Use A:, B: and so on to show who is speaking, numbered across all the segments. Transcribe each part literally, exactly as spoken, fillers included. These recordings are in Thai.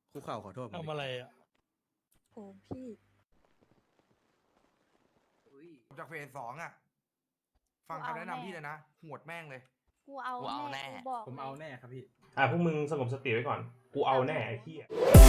A: คุกเข่าขอโทษผม
B: ทำอะไรอ่ะ
C: โอ้พี่
D: จากเฟสสองอ่ะ ฟังคำแนะนำพี่เลยนะหวดแม่งเลย
C: กูเอา
E: กูเอาแน่
C: แน่กูบอก
F: ผมเอาแน่ครับพี่
G: อ่ะพวกมึงสงบสติไว้ก่อนกูเอาแน่ไอ้ที่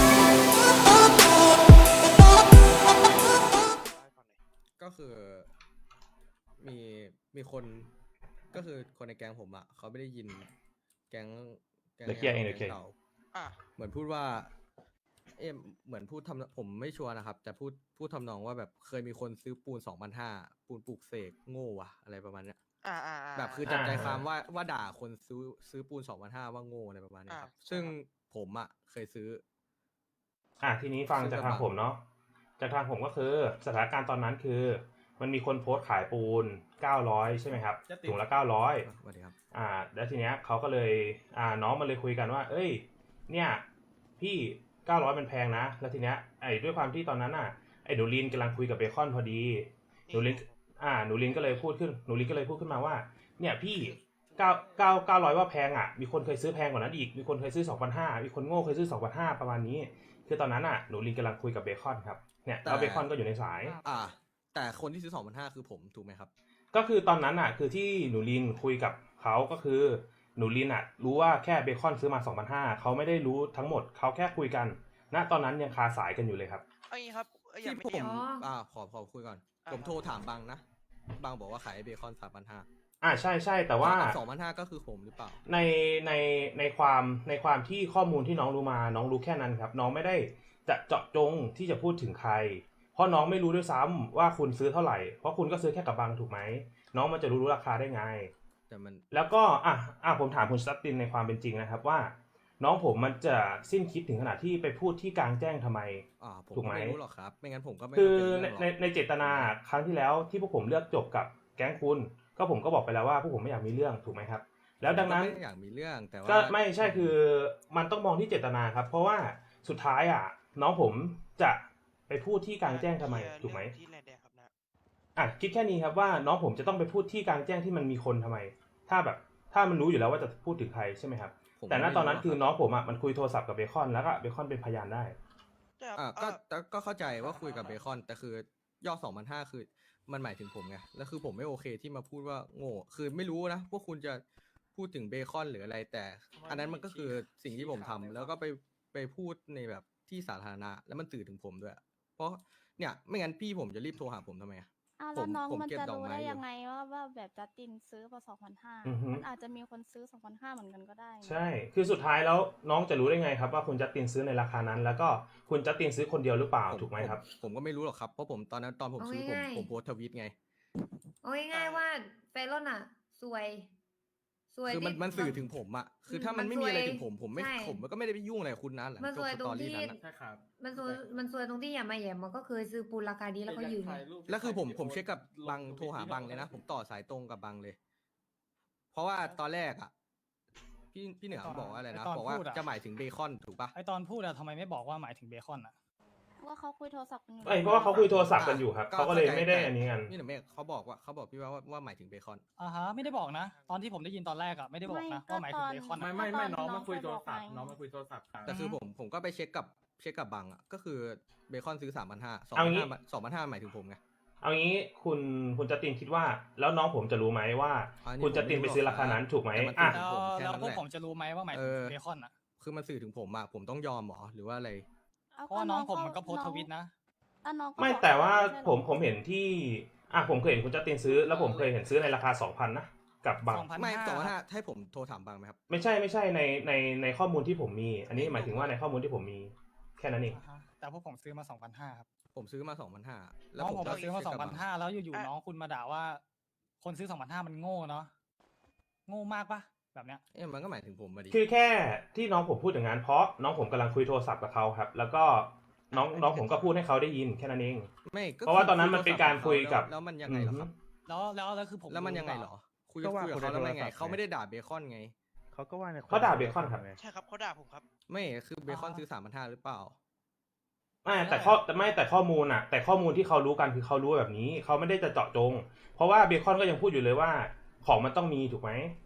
A: ก็คือมีมีคนก็คือคนในแก๊งผมอ่ะเขาไม่ได้ยินแก๊งแก๊ง
G: เดี๋ยวเคลียร์เองเดี๋ยวเคลียร์
A: เก่า
E: อ่ะ
A: เหมือนพูดว่า เอ๊ะเหมือนพูดทำผมไม่ชัวร์นะครับ แต่พูดพูดทำนองว่าแบบเคยมีคนซื้อปูนสองพันห้าปูนปลูกเสกโง่วะอะไรประมาณเนี้ย
E: อ่าอ่าา
A: แบบคือจับใจความว่าว่าด่าคนซื้อซื้อปูนสองพันห้าว่าโง่อะไรประมาณเนี้ยครับ
E: อ่า
A: ซึ่งผมอ่ะเคยซื้อ
G: อ่ะทีนี้ฟังจากทางผมเนาะจากทางผมก็คือสถานการณ์ตอนนั้นคือ มันมีคนโพสต์ขายปูนเก้าร้อยใช่ไหมครับ
F: จะติด
G: ถุงละเก้าร้อย
A: สวัสดีครับ
G: อ่าแล้วทีเนี้ยเขาก็เลยอ่าน้องมันเลยคุยกันว่า เอ้ย เนี่ยพี่เก้าร้อยมันแพงนะแล้วทีเนี้ยไอ้ด้วยความที่ตอนนั้นอ่ะไอ้หนูลินกำลังคุยกับเบคอนพอดีหนูลินอ่าหนูลินก็เลยพูดขึ้นหนูลินก็เลยพูดขึ้นมาว่าเนี่ยพี่เก้าเก้าเก้าร้อยว่าแพงอ่ะมีคนเคยซื้อแพงกว่านั้นอีกมีคนเคยซื้อสองพันห้ามีคนโง่เคยซื้อสองพันห้าประมาณนี้คือตอนนั้นอ่ะหนูลินกำลังคุยกับเบคอนครับเนี่ยแล้วเบคอนก็อยู่ในสาย
A: อ่า แต่คนที่ซื้อสองพันห้าคือผมถูกไหมครับ
G: ก็คือตอนนั้นอ่ะคือที่หนูลินคุยกับเขาก็คือหนูลินอ่ะรู้ว่าแค่เบคอนซื้อมา สองพันห้าร้อย เขาไม่ได้รู้ทั้งหมดเขาแค่คุยกันณตอนนั้นยังคาสายกันอยู่เลยครับ
E: เอางี้ครับเอ้ยอย่า
A: ที่
E: ไม่
A: ผม
E: เถียง
A: อ่าขอขอคุยก่อน
E: อ่า
A: ผมโทรถามบังนะบังบอกว่าขายเบคอนสามพันห้า
G: อ่าใช่ใช่แต่ว่า
A: สองพันห้าก็คือผมหรือเปล่า
G: ในในในความในความที่ข้อมูลที่น้องรู้มาน้องรู้แค่นั้นครับน้องไม่ได้จะเจาะจงที่จะพูดถึงใครเพราะน้องไม่รู้ด้วยซ้ำว่าคุณซื้อเท่าไหร่เพราะคุณก็ซื้อแค่กับบังถูกไหมน้องมันจะรู้ราคาได้ไง
A: แต่มัน
G: แล้วก็อ่ะอ่ะผมถามคุณสตัตตินในความเป็นจริงนะครับว่า น้องผมมันจะสิ้นคิดถึงขนาดที่ไปพูดที่กลางแจ้งทำไม
A: อ่าผม
G: ถูกไหม
A: ไม่รู้หรอกครับ ไม่งั้นผมก็ไม่
G: คือ
A: มา
G: ใน
A: เป็นเรื่องหรอก
G: ในในเจตนาครั้งที่แล้วที่พวกผมเลือกจบกับแก๊งคุณก็ผมก็บอกไปแล้วว่าพวกผมไม่อยากมีเรื่องถูกไหมครับแล้วดังนั้น
A: ผมก็ไม่อยากมีเรื่องแต่ว่า
G: ก็ไม่ใช่คือมันต้องมองที่เจตนาครับ เพราะว่าสุดท้ายอ่ะน้องผมจะไปพูดที่กลางแจ้งทำไมถูกไหม
E: ที่แลนด์แดงครับนะ
G: อ่ะคิดแค่นี้ครับว่าน้องผมจะต้องไปพูดที่กลางแจ้งที่มันมีคนทำไม ถ้าแบบถ้ามันรู้อยู่แล้วว่าจะพูดถึงใครใช่ไหมครับ
A: ผม
G: แต่ณตอนนั้นคือ
A: ไม่รู้หรก
G: น้องผมอ่ะมันคุยโทรศัพท์กับเบคอนแล้วก็เบคอนเป็นพยานได้
E: ใช่ครับ
A: อ่า
E: เอ่
A: ก็
E: อ
A: แต่ก็เข้าใจว่าคุยกับเบคอน แต่คือยอดสองพันห้าคือมันหมายถึงผมไงแล้วคือผมไม่โอเคที่มาพูดว่าโง่คือไม่รู้นะพวกคุณจะพูดถึงเบคอนหรืออะไร แต่อันนั้นมันก็คือสิ่งที่ผมทำแล้วก็ไปไปพูดในแบบที่สาธารณะแล้วมันสื่อถึงผมด้วย เพราะเนี่ยไม่งั้นพี่ผมจะรีบโทรหาผมทำไมอะ
C: อ้าว
A: ผ
C: แล้ว
A: ม
C: น้อง
A: ผม
C: มัน
A: เก็บ
C: จะ
A: ดอก
C: รู้
A: ไม้
C: ได้
A: อยู่
C: ยังไงว่าว่าแบบจัสตินซื้อมาสองพันห้า
G: อือฮึ
C: มันอาจจะมีคนซื้อสองพันห้าเหมือนกันก็ได้นะ
G: ใช่ คือสุดท้ายแล้วน้องจะรู้ได้ไงครับว่าคุณจัสตินซื้อในราคานั้น แล้วก็คุณจัสตินซื้อคนเดียวหรือเปล่า
A: ผม
G: ถูกไหมครับ
A: ผมผมก็ไม่รู้หรอกครับ เพราะผมตอนนั้นตอนผมซื้อผม
H: เอาง่ายๆ
A: ผมโพสต์ทวิตไง
H: เอาง่ายๆว่าเฟรอนอ่ะสวยสวย
A: คือมัน
H: ที่
A: มันสื่อถึงผมอะคือถ้ามันไม่มีอะไรถึงผมผมไม่
H: ใช่
A: ผมก็ไม่ได้ไปยุ่งอะไรกับคุณนะหลัง
H: มัน
A: จ
H: ส
A: บ
H: วย
A: ส
H: ตร
A: ตอง รี่
H: ที่
A: นั้นอะ
F: ใช่ครับ
H: มันสวยมันสวยตรงที่อย่ามาแหย่มมันก็เคยซื้อปูนราคาดีแล้วเขายืน
A: แล้วคือผมผมเช็คกับบังโทรหาบังเลยนะ ผมต่อสายตรงกับบังเลย เพราะว่าตอนแรกอะพี่พี่เหนือบอกว่าอะไรนะ
B: ไอ้ตอน
A: บอกว่า
B: พูดอะ
A: จะหมายถึงเบคอนถูกปะ
B: ไอตอนพูดอะทำไมไม่บอกว่าหมายถึงเบคอนอะ
C: ว่าเขาคุยโทรศัพท์กันอยู่
G: ไอ้เพราะว่าเขาคุยโทรศัพท์กันอยู่ครับเขาก็เลยไม่ได้อันนี้กัน
A: พี่เหนือเมฆเขาบอกว่าเขาบอกพี่ว่าว่าว่าหมายถึงเบคอน
B: อ่าฮะไม่ได้บอกนะ ตอนที่ผมได้ยินตอนแรกอะไม่ได้บอกนะว่าหมายถึงเบคอน
F: ไม่
B: อะ
F: ไม่ไม่น้องมาคุยโทรศัพท์น้องมาคุยโทรศัพท์ครับ
A: แต่คือผมผมก็ไปเช็คกับเช็คกับบังอะก็คือเบคอนซื้อสามพันห้าสอง
G: เอา
A: พัน
G: งี้
A: ห้าสองพันห้าหมายถึงผมไง
G: เอางี้คุณคุณจัสตินคิดว่า แล้วน้องผมจะรู้ไหมว่า
A: อันนี้
G: คุณจัสตินไปซื้อราคานั้นถูกไหม
A: แต่มัน
G: อ่ะ
A: ถู
B: แล้ว
A: ผมแค่นั้น
B: แล้วพวก
A: แหละ
B: ผมจะรู้ไหมว่าหมายถึ
A: เอง อ
B: เบคอนอะ
A: คือมันสื่อถึงผมอะผมต้องยอมเหรอหรือว่าอะไร
C: เอา
B: เพราะว่าน้องผมมันก็โพสต์ทวิตนะ
C: แล้วน้องก็
G: ไม่
C: บอก
G: แต่ว่า
C: ไใช่หรอ
G: ผมผมเห็นที่อ่ะผมเคยเห็นคุณจัสตินซื้อ แล้วผมเคยเห็นซื้อในราคาสองพันนะกับบัง
B: สองพัน
A: ไม่
B: ห้า
A: สองพันห้าให้ผมโทรถามบังไหมครับ
G: ไม่ใช่ไม่ใช่ในในในข้อมูลที่ผมมี อันนี้หมายถึงว่าในข้อมูลที่ผมมีแค่นั้นเอง
B: อ่าฮะแต่พวกผมซื้อมาสองพันห้าครับ
A: ผมซื้อมาสองพันห้าแล้
B: น้
A: ว
B: อง
A: ผม
B: ผม
A: ก็
B: มาซื้อมา
A: เช็
B: ส
A: ค
B: อง
A: กับ
B: พัน
A: บั
B: ห้าแล้วอยู่ๆน้องคุณมาด่าว่า คนซื้อสองพันห้ามันโง่เนาะโง่มากปะแบบเนี้ย
A: เอ๊ะมันก็หมายถึงผมมาดิ
G: คือแค่ที่น้องผมพูดอย่างนั้นเพราะน้องผมกำลังคุยโทรศัพท์กับเขาครับ แล้วก็น้องน้องผมก็พูดให้เขาได้ยินแค่นั้นเอง
A: ไม่ก็
G: เพราะว่าตอนนั้นมันเป็นการคุยกับ
A: แล้วแล้วมันยังไงเหรอครับ
B: แล้วแล้วแล้วคือผม
A: แล้วมันยังไงเหรอ คุยกับคุยกับเขาแล้วมันยังไงเขาไม่ได้ด่าเบคอนไง
I: เขาก็ว่าใน
G: เขาด่าเบคอนครับ
E: ใช่ครับเขาด่าผมครับ
A: ไม่คือเบคอนซื้อสามพันห้าหรือเปล่า
G: ไม่แต่ข้อแต่ไม่แต่ข้อมูลอะแต่ข้อมูลที่เขารู้กันคือเขารู้แบบนี้เขาไม่ได้จะเจาะจง เพราะว่าเบคอนก็ยังพูดอยู่เลยว่าของมันต้องมีถูกไหม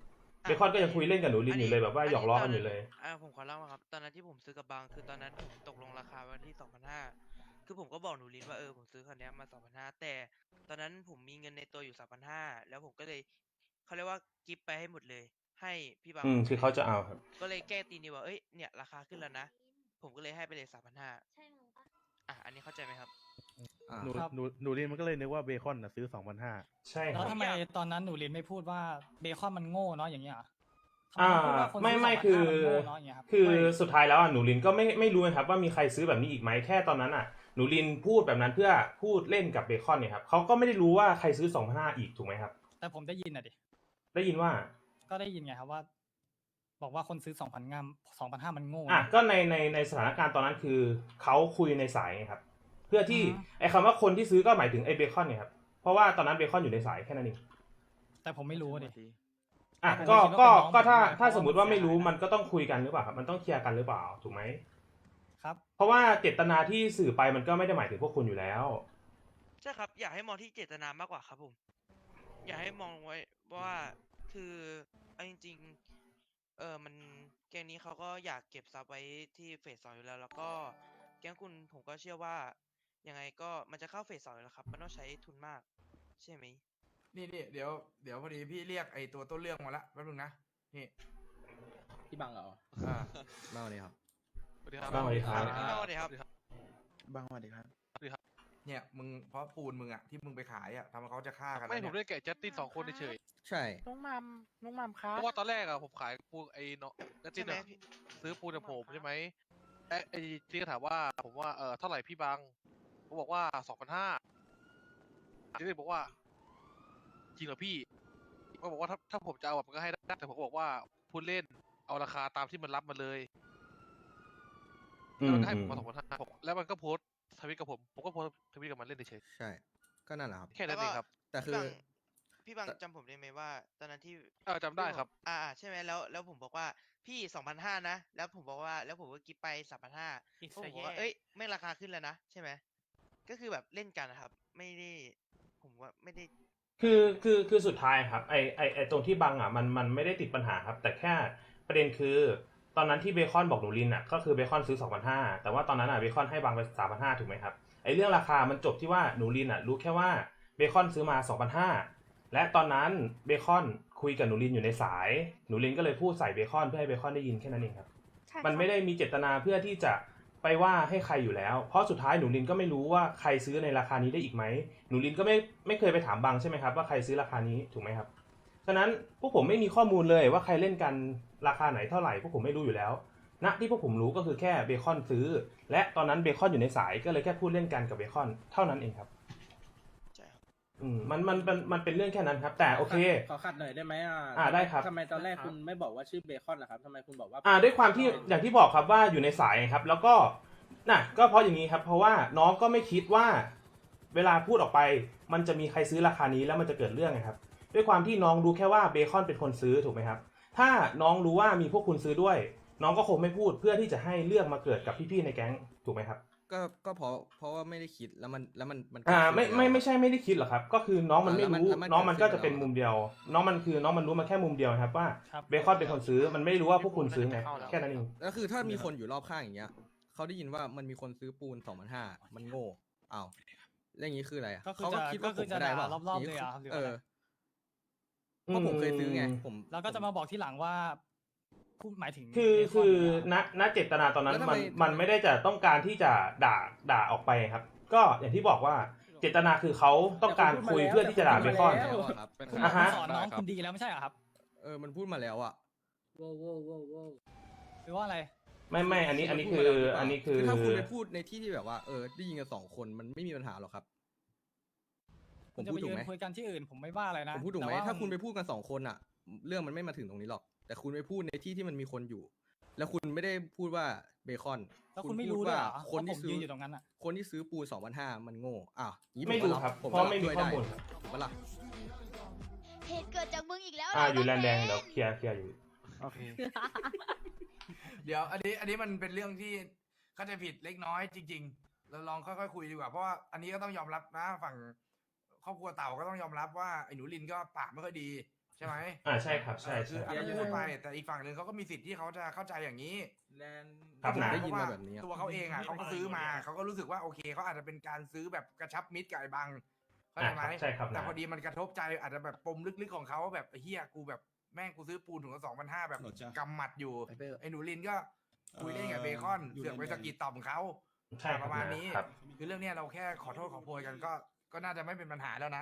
G: เบคอนก็ยังคุยเล่นกับหนูลินอยู่เลยแบบว่าหยอกล้อกันอยู่เลย
E: อ่าผมขอเล่ามาครับ ตอนนั้นที่ผมซื้อกับบางคือตอนนั้นผมตกลงราคาวันที่สองพันห้าคือผมก็บอกหนูลินว่าเออผมซื้อคันเนี้ยมาสองพันห้าแต่ตอนนั้นผมมีเงินในตัวอยู่สามพันห้าแล้วผมก็เลยเขาเรียกว่ากิฟต์ไปให้หมดเลย ให้พี่บาง
G: อืมคือเขาจะเอาครับ
E: ก็เลยแก้ตีนิวว่าเอ้ยเนี่ยราคาขึ้นแล้วนะ ผมก็เลยให้ไปเลยสามพันห้า
H: ใช่มั้งปะ
E: อ่ะอันนี้เข้าใจไหมครับ
A: อ่า
I: หนู
B: ครับ
I: หนูหนูลินมันก็เลยนึกว่าเบคอนน่ะซื้อสองพันห้า
G: ใช่ค
B: แล้
G: รั
B: ว
G: บ
B: ทำไมตอนนั้นหนูลินไม่พูดว่าเบคอนมันโง่เนาะอย่างเงี้ยเหรอทำ
G: อ่า
B: พูดว่าคน
G: ไม่
B: ซื้
G: ไม่
B: สงพัน
G: คือ
B: ห้ามันโง่เนาะอย่างเงี้ยครับ
G: คือสุดท้ายแล้วอ่ะหนูลินก็ไม่ไม่รู้นะครับว่ามีใครซื้อแบบนี้อีกไหมแค่ตอนนั้นอ่ะหนูลินพูดแบบนั้นเพื่อพูดเล่นกับเบคอนเนี่ยครับเขาก็ไม่ได้รู้ว่าใครซื้อสองพันห้าอีกถูกไหมครับ
B: แต่ผมได้ยินอ่ะดิ
G: ได้ยินว่า
B: ก็ได้ยินไงครับว่า บอกว่าคนซื้อสองพันงามสองพันห้ามันโง่
G: อ่ะ
B: นะ
G: ก็ในในในสถานการณ์ตอนนั้นคือเขาคุยในสายไงครับเพื่อที่
B: อืม
G: ไอ้คำว่าคนที่ซื้อก็หมายถึงไอ้เบคอนเนี่ยครับเพราะว่าตอนนั้นเบคอนอยู่ในสายแค่นั้นเอง
B: แต่ผมไม่รู้อะดิ
G: อ่ะ
B: ผม
G: ก็
B: คิดว่า
G: ก็
B: เป็นน้อง
G: ก็ถ้า
B: ผมด้วย
G: ถ้า
B: เพราะว่า
G: สมมติว่า
B: มัน
G: ไม่รู้
B: เสียหาย
G: มันก็ต้องคุยกันหรือเปล่าครับมันต้องเคลียร์กันหรือเปล่าถูกไหม
B: ครับ
G: เพราะว่าเจตนาที่สื่อไปมันก็ไม่ได้หมายถึงพวกคุณอยู่แล้ว
E: ใช่ครับ อยากให้มองที่เจตนามากกว่าครับผม อยากให้มองไว้ว่าคือเอาจริงๆเออมันแก๊งนี้เขาก็อยากเก็บทรัพย์ไว้ที่เฟสสองอยู่แล้ว แล้วก็แก๊งคุณผมก็เชื่อว่ายังไงก็มันจะเข้าเฟสสองอยู่แล้วครับ มันต้องใช้ทุนมาก ใช่ไหม
D: นี่นี่เดี๋ยวเดี๋ยวพอดีพี่เรียกไอ้ตัวต้นเรื่องมาละแป๊บนึงนะนี่
F: พี่บังเหรอ
D: อ่า
A: มาวันนี้ครับ
G: สวัสดีครับ สวัสดีครับ
E: สวัสดีครับ
I: บางสวัสดีครับ
D: เนี่ยมึงเพราะปูนมึงอะที่มึงไปขายอะทำให้เขาจะฆ่ากัน
J: ไม่
D: แล้ว
J: ผม
D: เนี่ย
J: ได้แกะจัสตินสองคนเฉย
A: ใช่
F: น้องมัมน้องมัมครั
J: เพ
F: บ
J: ราะว่าตอนแรกอะผมขายปูนไอ้เนาะจัสติ
E: ใช่
J: น
E: ไหม
J: อะ
E: พี่
J: ซื้อปูนกับผมใช่ไหมไอ้ไอ้ที่ก็ถามว่าผมว่าเออเท่าไหร่พี่บังผมบอกว่าสองพันห้าที่เลยบอกว่าจริงเหรอพี่ก็บอกว่าถ้าถ้าผมจะเอาอะมันก็ให้ได้แต่ผมก็บอกว่าพูดเล่นเอาราคาตามที่มันรับมาเลย
G: อื
J: แล้ว
G: ม
J: มันก็ให้
G: อื
J: ผม มมาสองพันห้าแล้วมันก็โพสต์ทวิตกับผมผมก็โพสต์ทวิตกับมันเล่นเฉย
A: ใช่ ก็นั่นแหละครับ
J: ๆแค่นั้นเองครับ
A: แต่คือ
E: พี่บังพี่บังจำผมได้ไหมว่า ตอนนั้นที่
J: เออจำได้ครับ
E: อ่าอ่าใช่ไหมแล้วแล้วผมบอกว่าพี่สองพันห้านะ แล้วผมบอกว่าแล้วผมก็กิฟต์ไปสามพันห้าผมบอกว่าเอ้ยไม่ราคาขึ้นแล้วนะใช่ไหมก็คือแบบเล่นกันนะครับ ไม่ได้ผมว่าไม่ได้
G: คือคือคือสุดท้ายครับไอไอไอตรงที่บังอ่ะมันมันไม่ได้ติดปัญหาครับ แต่แค่ประเด็นคือ ตอนนั้นที่เบคอนบอกหนูลินอ่ะก็คือเบคอนซื้อสองพันห้าแต่ว่าตอนนั้นอ่ะเบคอนให้บังไปสามพันห้าถูกไหมครับไอเรื่องราคามันจบที่ว่าหนูลินอ่ะรู้แค่ว่าเบคอนซื้อมาสองพันห้าและตอนนั้นเบคอนคุยกับหนูลินอยู่ในสายหนูลินก็เลยพูดใส่เบคอนเพื่อให้เบคอนได้ยินแค่นั้นเองครับ
C: ใช่
G: มันไม่ได้มีเจตนาเพื่อที่จะไปว่าให้ใครอยู่แล้ว เพราะสุดท้ายหนูลินก็ไม่รู้ว่าใครซื้อในราคานี้ได้อีกไหมหนูลินก็ไม่ไม่เคยไปถามบังใช่ไหมครับว่าใครซื้อราคานี้ถูกไหมครับฉะนั้นพวกผมไม่มีข้อมูลเลยว่าใครเล่นกันราคาไหนเท่าไหร่พวกผมไม่รู้อยู่แล้วณที่พวกผมรู้ก็คือแค่เบคอนซื้อ และตอนนั้นเบคอนอยู่ในสายก็เลยแค่พูดเล่นกันกับเบคอนเท่านั้นเองครับ
E: ใช่ครับ
G: อืมมันมันมันมันเป็นเรื่องแค่นั้นครับ แต่โอเค
F: ขอขัดหน่อยได้ไหมอ่ะ
G: อ่าได้ครับ
F: ทำไมตอนแรกคุณไม่บอกว่าชื่อเบคอนล่ะครับทำไมคุณบอกว่า
G: อ่าด้วยความที่อย่างที่บอกครับว่าอยู่ในสายครับ แล้วก็น่ะก็เพราะอย่างนี้ครับ เพราะว่าน้องก็ไม่คิดว่า เวลาพูดออกไป มันจะมีใครซื้อราคานี้แล้วมันจะเกิดเรื่องไงครับ ด้วยความที่น้องรู้แค่ว่าเบคอนเป็นคนซื้อถูกไหมครับ ถ้าน้องรู้ว่ามีพวกคุณซื้อด้วย น้องก็คงไม่พูดเพื่อที่จะให้เรื่องมาเกิดกับพี่ๆในแก๊งถูกไหมครับ
A: ก็ก็เพราะเพราะว่าไม่ได้คิดแล้วมันแล้วมันมัน
G: อ่า
A: เกิดขึ้น
G: ไม่ไม่
A: แล้ว
G: ไม่ใช่ไม่ได้คิดหรอกครับ ก็คือน้องมันไม่
A: แล้วมัน
G: รู้
A: แล้วมัน
G: น้องมันก็
A: เกิดขึ้
G: จะ
A: น
G: เป็น
A: แล้ว
G: มุมเดียว น้องมันคือน้องมันรู้มาแค่มุมเดียวครับว่า
B: ครับ
G: เบคอนเป็นคนซื้อมันไม่รู้ว่าพวกคุณซื้อไงแค่นั้นเอง
A: แล้วคือถ้ามีคนอยู่รอบข้างอย่างเงี้ยเขาได้ยินว่ามันมีคนซื้อปูนสองพันห้ามันโง่อ้าวเรื่องนี้คืออะไรอะ
B: ก็คือ
A: เขาก็
B: จะ
A: คิดว่า
B: ก็
A: ผ
B: คือ
A: ม
B: จะ
A: ก็ได้
B: ด่า
A: เปล่าร
B: อบๆเลยเหรอครับหรือ
A: เอ
B: ว่า
A: อเพราะผมเคยซื้อไงผม
B: แล้วก็จะมาบอกที่หลังว่าพูดหมายถึง
G: คือ
B: เบ
G: คือ
B: เหร
G: ณณเจตนาตอนนั้น
A: แล้วทำ
G: มั
A: ไม
G: นมันไม่ได้จะต้องการที่จะด่าด่าออกไปครับ ก็อย่างที่บอกว่าเจตนาคือเขาต้องการคุยเพื่อที่จะด่าเบคอน
A: แล้วอะครับ
B: คุณ
G: อ่าฮะ
B: สอนน้องคุณดีแล้วไม่ใช่เหรอครับ
A: เออมันพูดมาแล้วอะ
F: โว้วโว้วโว้วโว้ว
B: หรือว่าอะไร
G: ไม่ไม่อันนี้อันนี้
A: มั
G: คื
A: พูด
G: อ
A: มาแล้วหรืเปล่า
G: อันนี้คือ
A: ถ้าคุณไปพูดในที่ที่แบบว่าเออได้ยินกันสองคนมันไม่มีปัญหาหรอกครับ ผ
B: คุ
A: ม
B: ณจะ
A: พู
B: ไป
A: ดถู
B: ยื
A: ก
B: น
A: ไหม
B: คุยกันที่อื่นผมไม่ว่าอะไรนะ
A: ผมพูดถูกไหม
B: แต่ว่
A: ถ้าคุณไปพูดกันสองคนอะเรื่องมันไม่มาถึงตรงนี้หรอก แต่คุณไปพูดในที่ที่มันมีคนอยู่ แล้วคุณไม่ได้พูดว่าเบคอน
B: แล้วคุณไม่รู้
A: พู
B: ด้วยเหรอ
A: คนที่
B: ว่าผม
A: ซื้
B: ยื
A: อ
B: นอยู่ตรงนั้นอะ
A: คนที่ซื้อปูสองพันห้ามันโง่อ้าวอย่างนี้
G: ไม่
A: ผ
G: รู้
A: ก็
G: ครับ
A: ผม
G: เพราะไม่มี
A: ช่วย
G: ข้อ
A: ได้
G: มูลครับ
A: ถูกปะล่ะ
C: เหตุเกิดจากมึงอีกแล้ว
G: อ่า
C: เหร
G: อยู่แล
C: น้
G: น
C: ง
G: ด์แดง
C: เบ
G: เดี๋ยวเคลียร์เคลียร์อยู่
F: โอเค
D: เดี๋ยวอันนี้อันนี้มันเป็นเรื่องที่เข้าใจผิดเล็กน้อยจริง ๆ เราลองค่อยๆคุยดีกว่าเพราะว่าอันนี้ก็ต้องยอมรับนะฝั่งครอบครัวเต่าก็ต้องยอมรับว่าไอ้หนูลินก็ปากไม่ค่อยดีใช่ไหม
G: อ่าใช่ครับใช่
D: เออคื
G: ใช่
D: ออันนั้นพูดไปแต่อีกฝั่งหนึ่งเขาก็มีสิทธิ์ที่เขาจะเข้าใจอย่างนี้
G: ครับ
A: ผม
G: นะ
A: ได้ยินมาแบบนี้อะ
D: ตัวเขาเองอ่ะเขาก็ซื้อมาเขาก็รู้สึกว่าโอเคเขาอาจจะเป็นการซื้อแบบกระชับมิตรกับไอ้บังเข้าใจไหม
G: อ่ะครับใช่ครับ
D: แต่
G: นะ
D: พอดีมันกระทบใจอาจจะแบบปมลึกๆของเขาแบบเฮียกูแบบแม่งกูซื้อปูนถุงละสองพันห้าแบบกำหมัดอยู่ไอ้หนูลินก็คุยเล่นกับเบคอนเสือกไปสะกิดต่อมเขา
G: ใช่ค
D: ป
G: รับ
D: ระมาณ
G: นะ
D: นี้
G: ครับ
D: คือเรื่องเนี้ยเราแค่ขอโทษขอโพยกันก็ก็น่าจะไม่เป็นปัญหาแล้วนะ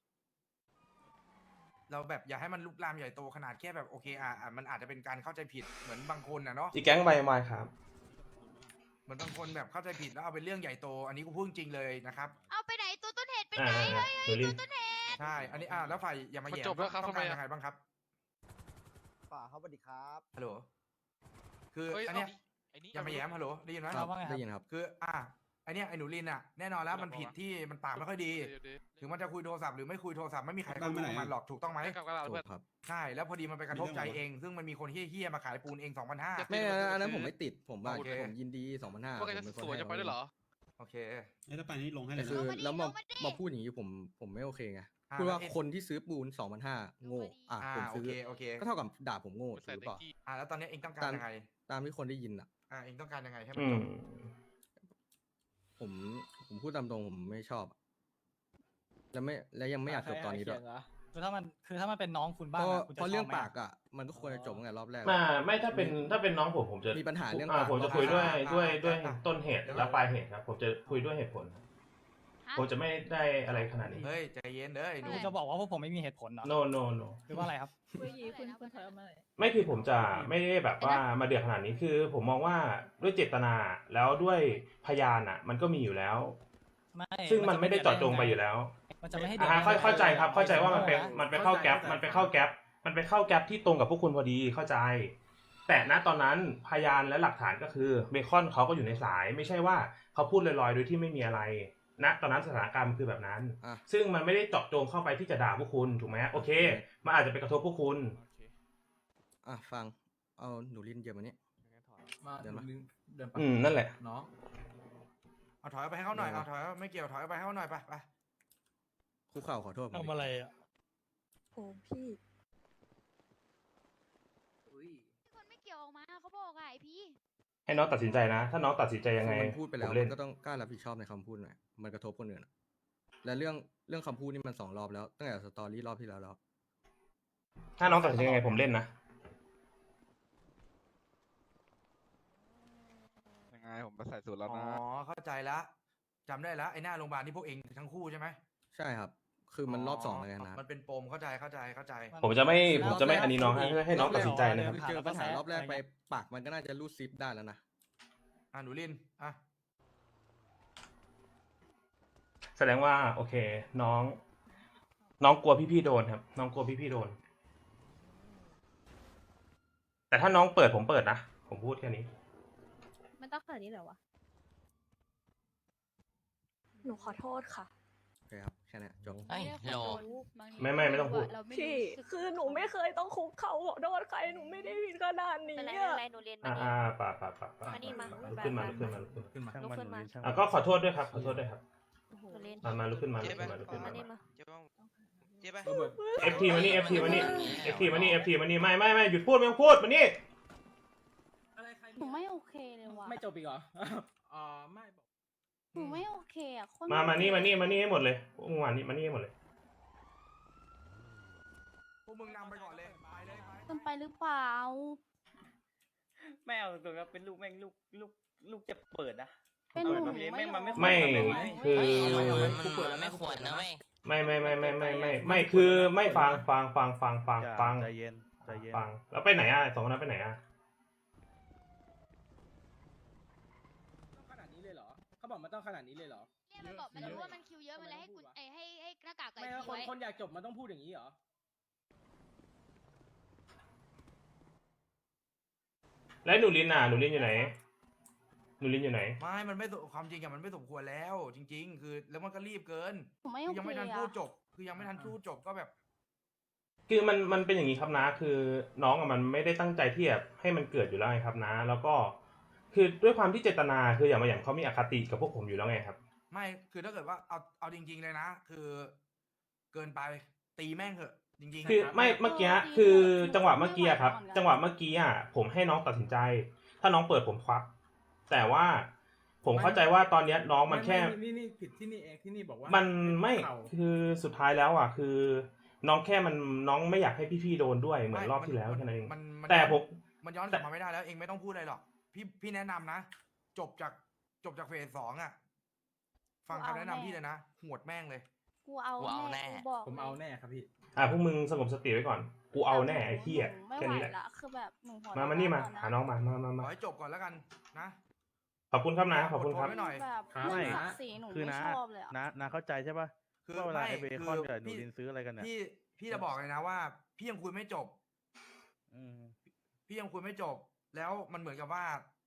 D: เราแบบอย่าให้มันลุกลามใหญ่โตขนาดแค่แบบโอเคอ่ะอ่ะมันอาจจะเป็นการเข้าใจผิดเหมือนบางคนนะเนาะ
G: อีกแก๊งใบไม้ครับ
D: เหมือนบางคนแบบเข้าใจผิดแล้วเอาเป็นเรื่องใหญ่โต อันนี้กูพูดจริงเลยนะครับ
C: เอาไปไหนตัวต้นเหตุไป
G: อ่า
C: ไหน
G: อ่า
C: เฮ้ย
G: หนูลิน
C: ตัวต้นเหตุ
D: ใช่ อันนี้อ่ะแล้วฝ่ายอย่ามา
J: มัน
D: แย่
J: จบแล้วครับ
D: ต้อง
J: ทำไม
D: การ
J: อะ
D: ยังไงบ้างครับ
F: ป่าครับสวัสดีครับ
D: ฮัลโหลคือ
J: เฮ้ย
D: อันเนี้ย
J: ไอ้นี่
D: อย่ามาแย้มฮัลโหลได้ยินไหม
A: ครับ
B: ว่าไงครับ
A: ได้ยินครับ
D: คืออ่ะอันเนี้ยไอ้หนูลินอ่ะแน่นอนแล้วมันผิดที่มันปากไม่ค่อยดี
J: เดี๋ยวเดี๋ยว
D: ถึงมันจะคุยโทรศัพท์หรือไม่คุยโทรศัพท์ไม่มีใครเข้ารู้ของมันหรอกถูกต้องไหม
J: ให้กลับกันเรา
A: ถู
J: เพื่อน
A: กครับ
D: ใช่แล้วพอดีมันไปกระทบใจเอง ซึ่งมันมีคนเฮี้ยๆมาขายปูนเองสองพันห้า
J: จะ
A: ไม่อันนั้นอันนั้นผมไม่ติดผมว่า
D: โอเค
A: ผมยินดีสองพันห้า
J: ว่าแกจะสวยจะไปด้วยเหรอ
D: โอเค
I: ถ้าไปนี่ลงให้เล
A: แต่
I: ย
A: คือ
I: นะ
C: มาดิ
A: แล้วมา
C: ลงมาดิ
A: มาพูดอย่างนี้ผมผมไม่โอเคไง
D: อ่า
A: พูดว่า
D: แล้ว
A: คนที่ซื้อปูนสองพันห้าโง่อ่ะ
D: อ่า
A: ผม
D: โอ
A: ซื้อ
D: เคโอเค
A: ก็เท่ากับด่าผมโง่
J: ใส่
A: ถูกหรือ
J: เต็
A: เปล่า
J: ที่
D: อ่าแล้วตอนนี้เองต้องการ
A: ตาม
D: ยังไง
A: ตามที่คนได้ยินอ่ะ
D: อ่าเองต้องการยังไงให้มัน
G: อื
D: จ
G: ม
D: บ
A: ผมผมพูดตามตรงผมไม่ชอบอะแล้วไม่แล้วยังไม่อยากจบตอนนี้ด้วย
B: คือถ้ามันคือถ้ามันเป็นน้องคุณ
A: เพ
B: บ้าง
A: ราะ
B: อะคุณจะ
A: เพราะเรื่อง
B: ชบไหม
A: ปากอ่ะมันก็ควรจะจบตั้งแต่รอบแรก
G: มาไม่ถ้าเป็นถ้าเป็นน้องผมผมจะ
A: มีปัญหาเรื่อง
G: อ่า
A: ปาก
G: ผมจะคุยด้วย
D: อ่า
G: ด้วย
D: อ่า
G: ด้วย
D: อ่า
G: ต้นเหตุและปลายเหตุครับ ผมจะคุยด้วยเหตุผล
C: ฮะ
G: ผมจะไม่ได้อะไรขนาดนี้
D: เฮ้ยใจเย็นเด้อไอ้หนู
B: คุณจะบอกว่าพวกผมไม่มีเหตุผลเหรอ
G: no no no
B: หรือว่าอะไรครับ
C: คุยยีคุณคุณถอยออกมา
G: ไม่คือผมจะไม่ได้แบบว่ามาเดือดขนาดนี้คือ ผมมองว่าด้วยเจตนาแล้วด้วยพยานอ่ะ มันก็มีอยู่แล้ว
B: ไม่
G: ซึ่งมันไม่ได้เจาะจงไปอยู่แล้ว
B: มันจะไม่ให้เดือด
G: อ่า
B: ร้อน
G: เข้าเข้าใจครับ เข้าใจว่ามันเป็น
B: โง่ะ
G: มันไปเข้าแก๊ปมันไปเข้าแก๊ปมันไปเข้าแก๊ปที่ตรงกับพวกคุณพอดีเข้าใจ แต่ณตอนนั้นพยานและหลักฐานก็คือเบคอนเขาก็อยู่ในสาย ไม่ใช่ว่าเขาพูดลอยๆโดยที่ไม่มีอะไรณตอนนั้นสถานการณ์มันคือแบบนั้น
A: อ่ะ
G: ซึ่งมันไม่ได้เจาะจงเข้าไปที่จะด่าพวกคุณถูกไหมโอเค มันอาจจะไปกระทบพวกคุณ
A: อ่ะฟังเอาหนูลินเยอะมานี้
F: มา
A: เดินมา
F: เดินไป
G: อืมนั่นแหละ
F: น้อง
D: เอาถอยไปให้เขาหน่อย
A: เดี๋ยว
D: เอาถอยไม่เกี่ยวถอยไปให้เขาหน่อยไปไป
A: คุกเข่าขอโทษผมดิ
B: ทำอะไรอ่ะ
H: โอ้พี่
C: คนไม่เกี่ยวออกมาเขาบอกอะไอพี่
G: ให้น้องตัดสินใจนะ ถ้าน้องตัดสินใจยังไง
A: คือมันพูดไปแล้ว
G: ผมเล่
A: มัน นก็ต้องกล้ารับผิดชอบในคำพูดหน่อยมันกระทบคนอื่นอะและเรื่องเรื่องคำพูดนี่มันสองรอบแล้วตั้งแต่สตอรี่รอบที่แล้วแล้ว
G: ถ้าน้องตัดสินใจยังไงผมเล่นนะ
J: ยังไงผมมาใส่สูตรแล้ว
D: อ๋อ
J: นะ
D: เข้าใจละจำได้แล้วไอ้หน้าโรงพยาบาลที่พวกเองทั้งคู่ใช่ไหม
A: ใช่ครับ คือมันรอบสองเลยนะ
D: มันเป็นปมเข้าใจเข้าใจเข้าใจ
G: ผมจะไม่ผมจะไม่อันนี้น้องให้ให้น้องตัดสินใจนะครับ
A: คือเจอปัญหารอบแรกไปปากมันก็น่าจะรูดซิปได้แล้วนะ
D: อ่ะหนูลินอ่ะ
G: แสดงว่าโอเค น้อง น้องกลัวพี่ๆโดนครับ น้องกลัวพี่ๆโดน แต่ถ้าน้องเปิดผมเปิดนะผมพูดแค่นี้
H: มันต้องขนาดนี้เหรอวะ หนูขอโทษค่ะ
A: โอเคครับ แค่นี้จบ
C: ไม่ได้ขอโทษบางที
G: ไม่ไม่ไม่ต้องพูด
C: เราไม่
H: พี่
C: รู้สึก
H: คือหนูไม่เคยต้องคุกเขาขอโทษใคร หนูไม่ได้ผิดขนาดนี้
K: เป็นไร
H: อะ
K: เป็นไรหนูเรียนมา
G: อ่า
K: นี่
G: อ่าป่าป่าป่าป่า
K: มานี่มา
G: ลุกขึ้นมาลุกขึ้นมาลุกขึ้นมา
A: ขึ้นมา
I: ช่างมัน
K: ลุกขึ้นมา
I: ช่าง
G: อ่ะ
I: มัน
G: ก็ขอโทษด้วยครับขอโทษด้วยครับ
K: หนูเรียน
G: มามาลุกขึ้นมาลุก
E: เจ๊
G: ขึ้น
E: ไป
G: มาลุกขึ้น
K: มา
G: มา
K: นี่มา
E: เจ๊บ้างเจ๊ไป
G: เอฟทีมานี่เอฟทีมานี่เอฟทีมานี่เอฟทีมานี่ไม่ไม่ไม่หยุดพูดไม่ต้องพูดมานี่
K: หนูไม่โอเคเลยว่ะ
F: ไม่จบอีกเหรอ อ๋อไม่บอก
K: หนูไม่โอเคอ่ะคน
G: มามานี่มานี่มานี่ให้หมดเลยพวกมึงมานี่มานี่ให้หมดเลย
D: พวกมึงนำไปก่อนเลยไปเลยไป
K: เกินไปหรือเปล่า
F: แม่เอาตัวครับเป็นลูกแม่งลูกลูกลูกจะเปิดนะ
K: เป็นหนู
F: อาแบบนี้
K: ไม่
F: แม่งมันไม่
K: ยอม
G: ไม่
F: ทำแบบนี้
G: คือ
F: กูเปิดแล้วไม่ควรนะไม่
G: ไม่ไม่ไม่ไม่ไม่ไม่ไม่คือไม่ฟังฟังฟังฟังฟังฟัง
I: ใจเย็นใจเย็น
G: ฟังแล้วไปไหนอ่ะสองคนนั้นไปไหนอ่ะ
F: ต้องขนาดนี้เลยเหรอเขาบอกมันต้องขนาดนี้เลยเหรอ
C: เนี่ยมันบอกมันรู้ว่ามันคิวเยอะมันเลยให้กุญไอให้ให้หน้ากากไก่
F: ไม่
C: พี
F: ว่าคน
C: ไว้
F: คนอยากจบมันต้องพูดอย่างนี้เหรอ
G: แล้วหนูลินอ่ะหนูลินอยู่ไหนหนูลินอยู่ไหน
D: ไม่มันไม่สมความจริงอะมันไม่สมควรแล้ว จริง ๆ คือแล้วมันก็รีบเกิน
K: หนูไม่
D: คื
K: โอ
D: อยัง
K: เค
D: ไม่ทัน
K: อ่ะ
D: พูดจบ คือยังไม่ทันพูดจบก็แบบ
G: คือมันมันเป็นอย่างนี้ครับนะ คือน้องอะมันไม่ได้ตั้งใจที่จะให้มันเกิดอยู่แล้วไงครับนะ แล้วก็ คือด้วยความที่เจตนาคืออย่างมาอย่างเขามีอคติกับพวกผมอยู่แล้วไงครับ
D: ไม่คือถ้าเกิดว่าเอาเอาจริง ๆเลยนะ คือ เกินไปตีแม่งเถอะ จริงๆ
G: คือ
D: นะครับ
G: ไม่เมื่อกี้
K: เออ
G: คือ
K: จริงๆ
G: จังหวะเมื่อกี้อะครับ
K: ไม่ไหวก่อน
G: จังหวะเมื่อกี้อ่ะผมให้น้องตัดสินใจ ถ้าน้องเปิดผมควัก แต่ว่าผมเข้าใจว่าตอนเนี้ยน้องมันแค่
L: ไนี่นี่ผิดที่นี่เองที่นี่บอกว่า
G: มันไม่
L: เข่า
G: คือสุดท้ายแล้วอ่ะคือ น้องแค่มันน้องไม่อยากให้พี่ๆโดนด้วยเหมือนรอบที่แล้วแค่นั้นเอง
D: มันมัน
G: แต่ผม
D: มันย้อนกลับมาไม่ได้แล้วเองไม่ต้องพูดอะไรหรอกพี่พี่แนะนำนะ จบจากจบจากเฟสสองอ่ะ ฟังคำแนะนำพี่เลยนะหวดแม่งเลย
K: กูเอา
F: กูเอาแน่
K: แน่กูบอก
L: ผมเอาแน่ครับพี่
G: อ่ะพวกมึงสงบสติไว้ก่อน กูเอาแน่ไอ้เหี้ย
K: หนูไม่
G: แค่
K: ไหว
G: นี้แหละ
K: ละคือแบบหนูหัว
G: มามานี่มา
K: ร้
G: หาน้องมามามา
D: ข
G: มา
D: อให้จบก่อนแล้วกันนะ
G: ขอบคุณครับนะขอบคุณครับ
D: อดทนไว้หน่อย
K: แบบ
L: ครับ
K: เรื่อง
L: ไม่
K: ศักดิ์ศรีหนู
I: คือ
K: ไม่
I: นะ
K: ชอบเลยอะ
I: นะนะเข้าใจใช่ป่ะ
D: คือ
I: ว่าเวลา
D: ไม่
I: ไอเบ
D: คื
I: คอน
D: อ
I: กับหนู
D: พี่
I: ลินซื้ออะไรกันเนี่ย
D: พี่พี่จะบอกเลยนะว่า พี่ยังคุยไม่จบ
I: อืม
D: พี่ยังคุยไม่จบ แล้วมันเหมือนกับว่า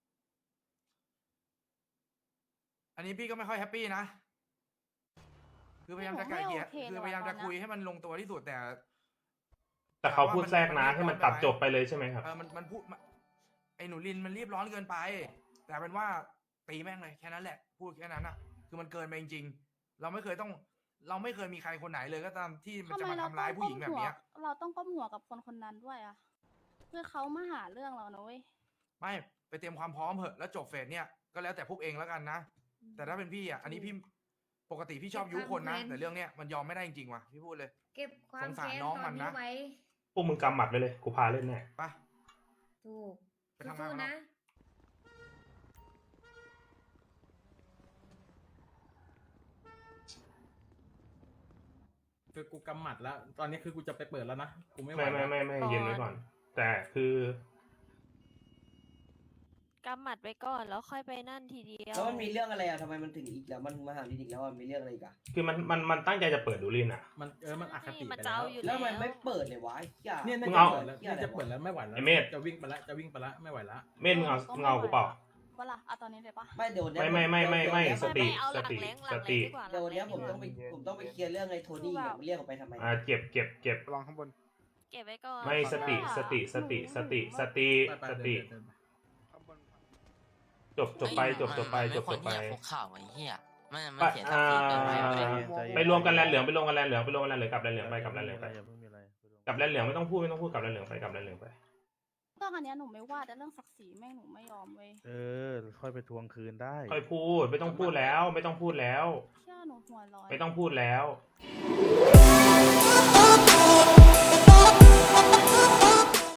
D: อันนี้พี่ก็ไม่ค่อยแฮปปี้นะ คือพยายามจะไกลเกลี่ยคือพยายามจะคุยให้มันลงตัวที่สุดแต่
G: แต่เขาพูดแทรกนะให้มันตัดจบไปเลยใช่ไหมครับ
D: เออมันมันพูดมันไอ้หนูลินมันรีบร้อนเกินไป แต่เป็นว่าตีแม่งเลยแค่นั้นแหละ พูดแค่นั้นอ่ะ คือมันเกินไปจริงๆ เราไม่เคยต้อง เราไม่เคยมีใครคนไหนเลยก็ตามที่มัน
K: ทำ
D: จะ
K: ไม
D: มา
K: เรา
D: ทำร้ายผู้หญิงแบบเนี้ย
K: เราต้องก้มหัวกับคนคนนั้นด้วยอะเพื่อเขามาหาเรื่องเรานะเว้ย
D: ไม่ไปเตรียมความพร้อมเหอะแล้วจบเฟสเนี่ยก็แล้วแต่พวกเองแล้วกันนะ แต่ถ้าเป็นพี่อ่ะ อันนี้พี่ปกติพี่ชอบยุคนนะ แต่เรื่องเนี้ยมันยอมไม่ได้จริงๆว่ะพี่พูดเลย
H: เก็บความ
D: สงสาร
H: แค้น
D: น้อง
H: ต
D: มั
H: อน
D: น
H: นี้
D: นะ
H: ไว้
G: พวกมึงกำหมัดไปเลย กูพาเล่นแน่
D: ไป
H: ถูก
D: ไปทำงาน
H: สู้
D: ข้างนอก
H: ๆนะ
L: คือกูกำหมัดแล้ว ตอนนี้คือกูจะไปเปิดแล้วนะกูไม่ไหว
G: ไม่ไม่ไม่ไม่
K: ก่อน
G: เย็นไว้ก่อน แต่คือ
K: กำหมัดไว้ก่อนแล้วค่อยไปนั่นทีเดียว
F: แล้วมันมีเรื่องอะไรอ่ะทำไมมันถึงอีกแล้วมันมาหาลินอีกแล้วอ่ะมีเรื่องอะไรอีกอ่ะ
G: คือมันมันมันตั้งใจจะเปิดดูลินอ่ะ
L: มันเออมันอคติ
K: มัน
L: ไป
K: จะ
L: แล้
K: เอา
L: ว
K: อยู่
F: แล้วมันไม่เปิดเลยวะไอ้เหี้ย
L: เนี่ย
G: มึ
L: น่าง จะ
G: เอา
L: เปิดแล้วเนี่ยจะเปิดแล้วไม่ไหวแล้ว
G: ไอ้เมธ
L: จะวิ่งไปแล้วจะวิ่งไปแล้วไม่ไหวแล้ว
G: เม่นมึงเอามึงเอากูเปล่า
K: ว่าล่ะเอาตอนนี้เลยปะ
F: ไม่เดี๋ยวเนี้ย
G: ไม่ไม่ไม่ไม่ไม่
F: เดี๋ยว
G: สติ
K: ไม่เอาหลัง
G: สติ
K: แรงห
G: ส
K: ลังแรง
G: ติ
K: ดีกว่า
F: เดี๋ยวเนี้ยผมต้อง
K: ห
F: ไป
K: ลังแรง
F: ผมต้องไปเคลียร์เรื่องไอ้โทนี่อ่ะเรียกออกไปทำไม
G: อ่าเก็บเก็บเก็บ
D: ลองข้างบน
K: เก็บไว้ก่อน
G: ไม่สติ
K: เพราะว่า
G: สติสติสติสติ
L: ไปไป
G: ส
L: เดิน
G: ติ
L: เดินเดินไป
D: ข้างบน
G: จบจบไปจบจบไปจบจบไป
F: คุกข่าวไอ้เหี้ยมันมัน
G: ไป
F: เสียศักดิ์ศรีเกินไป
G: อ่า
F: เว้ย
I: ใจเย็น
G: ไปรวมกันแลนเหลืองไปรวมกันแลนเหลืองไปรวมกันแลนเหลืองกลับแลนเหลืองไปกลับแลนเหลืองไป
I: อย่าเพิ่งมีอะไร
G: กลับแลนเหลืองไม่ต้องพูดไม่ต้องพูดกลับแลนเหลืองไปกลับแลนเหลืองไป
K: เรื่องอันเนี้ยหนูไม่ว่าแต่เรื่องศักดิ์ศรีแม่งหนูไม่ยอมเว้ย
I: เออ ค่อยไปทวงคืนได้
G: ค่อยพูดไม่ต้องพูดแล้ว ไม่ต้องพูดแล้ว
K: เชื่อหนูหัวร้อน
G: ไม่ต้องพูดแล้ว